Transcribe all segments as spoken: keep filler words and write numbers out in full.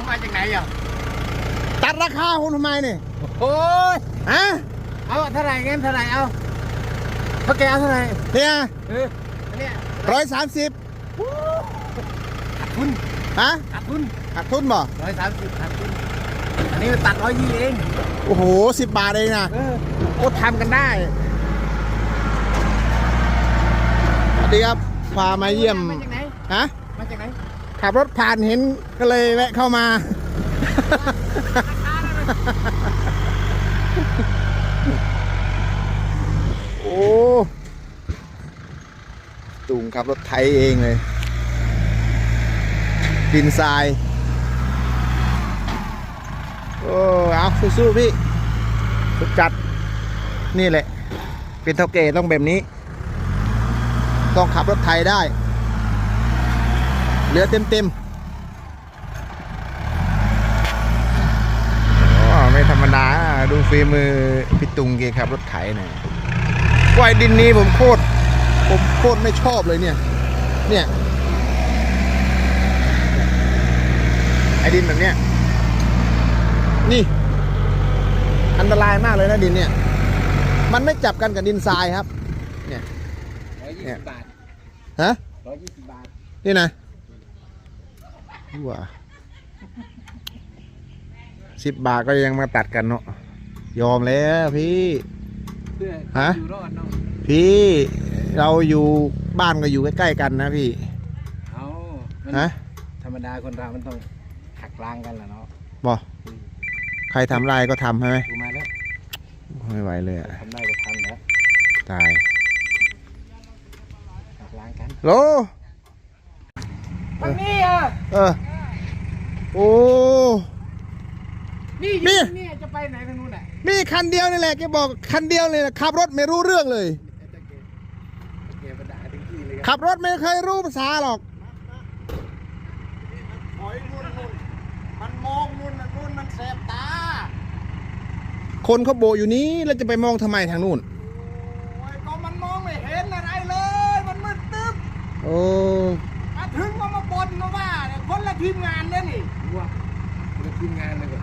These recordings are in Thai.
มาจากไหนอ่ะตัดราคาคุณทำไมเนี่ยโอ้ยฮะเอาเท่าไหร่เงินเท่าไหร่เอาเขาแกเอาเท่าไหร่เนี่ยเอออันเนี้ยร้อยสามสิบขาดทุนฮะขาดทุนขาดทุนบ่ร้อยสามสิบขาดทุนอันนี้มันตัดร้อยยี่เองโอ้โหสิบบาทเองนะโอ้ทำกันได้สวัสดีครับพามาเยี่ยมมาจากไหนฮะมาจากไหนขับรถผ่านเห็นก็เลยแวะเข้ามาโอ้ตุงขับรถไทยเองเลยดินทรายโอ้เอาสู้ๆพี่สุดจัดนี่แหละเป็นเท่าแก่ต้องแบบนี้ต้องขับรถไทยได้เหลือเต็มเต็มไม่ธรรมดาดูฝีมือพี่ตุงเกขับรถไถหน่อยกวายดินนี้ผมโคตรผมโคตรไม่ชอบเลยเนี่ยเนี่ยไอ้ดินแบบเนี้ยนี่อันตรายมากเลยนะดินเนี่ยมันไม่จับกันกับดินทรายครับเนี่ยร้อยยี่สิบบาทฮะร้อยยี่สิบบาทนี่นะว้าสิบบาทก็ยังมาตัดกันเนาะยอมแล้วพี่ฮะพี่เราอยู่บ้านก็อยู่ใกล้ๆกันนะพี่เอาฮะธรรมดาคนเรามันต้องหักล้างกันแหละเนาะบอใครทำไรก็ทำใช่ไหมมาแล้วไม่ไหวเลยอะทำได้ก็ทำแล้วตายหักล้างกันโลมันนี่อ่ะเออโอ้นี่นี่นี่จะไปไหนทางนู้นอ่ะมีคันเดียวนี่แหละแกบอกคันเดียวเลยนะขับรถไม่รู้เรื่องเลยขับรถไม่เคยรู้ภาษาหรอกมันมองนู่นนู่นมันแสบตาคนเขาโบอยู่นี้แล้วจะไปมองทำไมทางนู้นก็มันมองไม่เห็นอะไรเลยมันมืดตึ๊บโอ้มาถึงก็มาบ่นมาว่าเนี่ยคนละทีมงานเนี่ยนี่ว้าคนละทีมงานเลย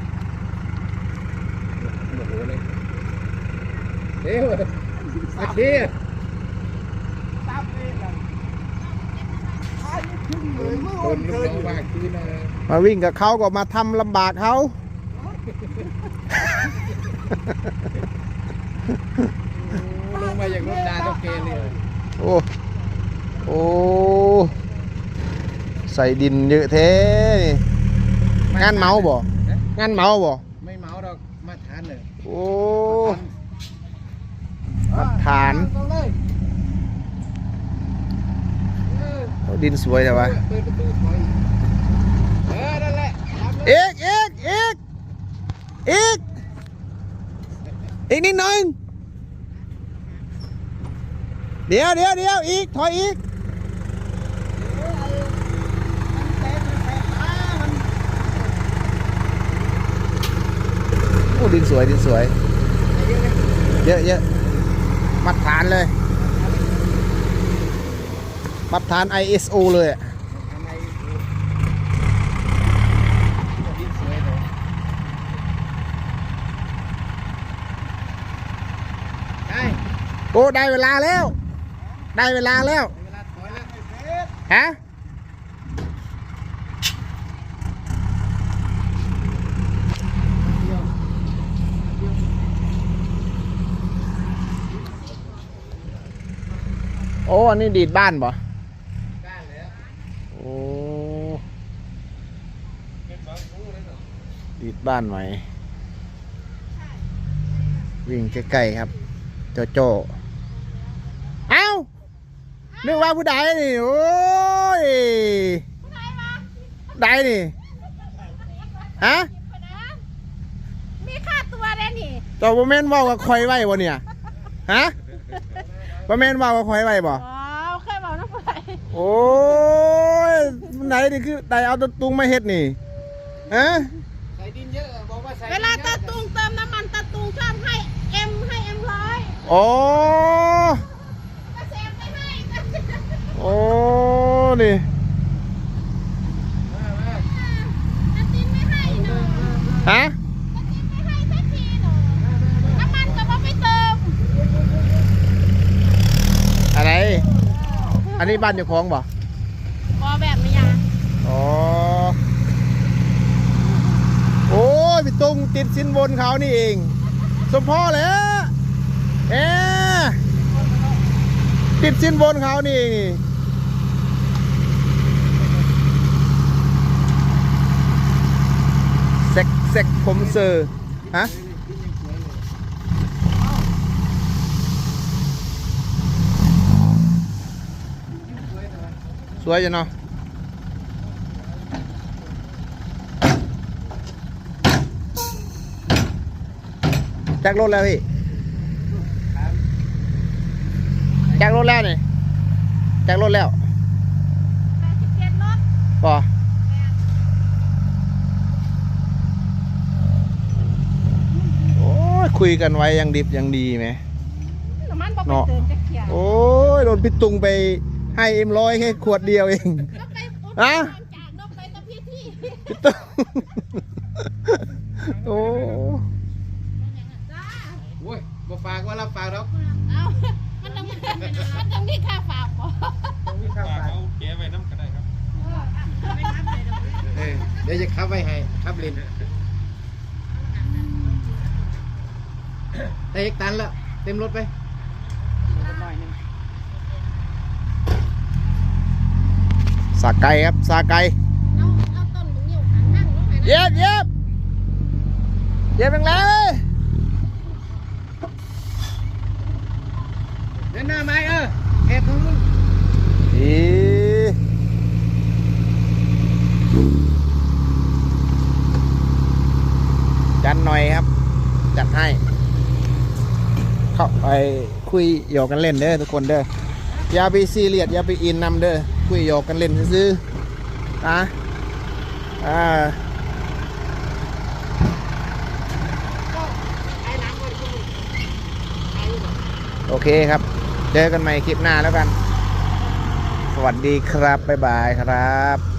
โอ้โหเลยเฮ้ยอาทิตย์ตามเองเลยท้ายไม่ขึ้นเลยเมื่อวันเกิดมากคืนเลยมาวิ่งกับเขาก็มาทำลำบากเขาลงมาอย่างรถดาโตเกนเลยโอ้โอ้ใส่ดินเยอะเท่งานเมาบ่งานเมาบ่ไม่เมาดอกมาทานเลยโอ้มาทานดินสวยแต่ว่าเปิดประตูถอยเออนั่นแหละเอกเอกเอกเอกอีกนิดหนึ่งเดี๋ยวเดี๋ยวเดี๋ยวอีกถอยอีกโอ้ดินสวยดินสวยเยอะเยอะมัดฐานเลยมัดฐาน ไอ เอส โอ เลยอ่ะโอ้ได้เวลาแล้วได้เวลาแล้วฮะโอ้อันนี้ดีดบ้านบ่โอ้ดีดบ้านไหมวิ่งใกล้ๆครับโจโจเอ้านึกว่าผู้ใดนี่โอ้ยใดนี่ฮะมีค่าตัวเลยนี่เจ้าบ่แม่นว่ากับคอยไว้บ่เนี่ยฮะบ่แม่นว่ากับคอยไว้บ่อ๋อเคยบอกน้ำไปโอ้ยไหนนี่คือได้เอาตะตุงมาเฮ็ดนี่ฮะใส่ดินเยอะบอกว่าใส่เวลาตะตุงเติมน้ำมันตะตุงชอบให้เอ็มให้เอ็มร้อยโอ้ก็เซฟไม่ให้โอ้นี่ตะตินไม่ให้ฮะไม่ให้สักทีหนูน้ำมันก็มาไม่เติมอะไร อันนี้บ้านอยู่คลองบ่บอแบบไม่ยังอ๋อ โอ้ยพี่ตุ้งติดสินบนเขานี่เอง สมพ่อแล้วเอ๊ะติดสินบนเขานี่เองนี่เซ็กเซ็กผมเซอร์ฮะสวยจังเนาะแจ็ครถแล้วพี่แจ็ครถแล้วนี่แจ็ครถแล้วแปดสิบเจ็ดรถป่ะโอ้ยคุยกันไว้ยังดิบยังดีไหมน้ำมันบอกไปเติมจะเขียวโอ้ยโดนพี่ตุงไปให้เอ็มร้อยแค่ขวดเดียวเองก็ไปอุดฮะจากนกไปตะพี่ที่พี่ตุงโอ้จ้าโอ้ยบ่ฝากว่ารับฝากหรอกเอามันต้องมันต้องมีค่าฝากบ่ต้องมีข้าวฝากเอาเก๋ไว้น้ำก็ได้ครับไม่รับเลยดอกเออเดี๋ยวจะขับไว้ให้ขับเล่นได้อีกตันแล้วเต็มรถไปสาไก่ครับสาไก่เอาเอาต้นมึงอยู่ข้างนั่งลงไปนะเย็บเย็บเย็บแรงๆเลยเดินหน้าไม้เออแอบตรงนู้นอีจัดหน่อยครับ จัดให้ เข้าไปคุยหยอกกันเล่นเด้อทุกคนเด้ออย่าไปซีเรียสอย่าไปอินนำเด้อคุยหยอกกันเล่นซื้อๆนะอ่าโอเคครับ เจอกันใหม่คลิปหน้าแล้วกัน สวัสดีครับ บ๊ายบายครับ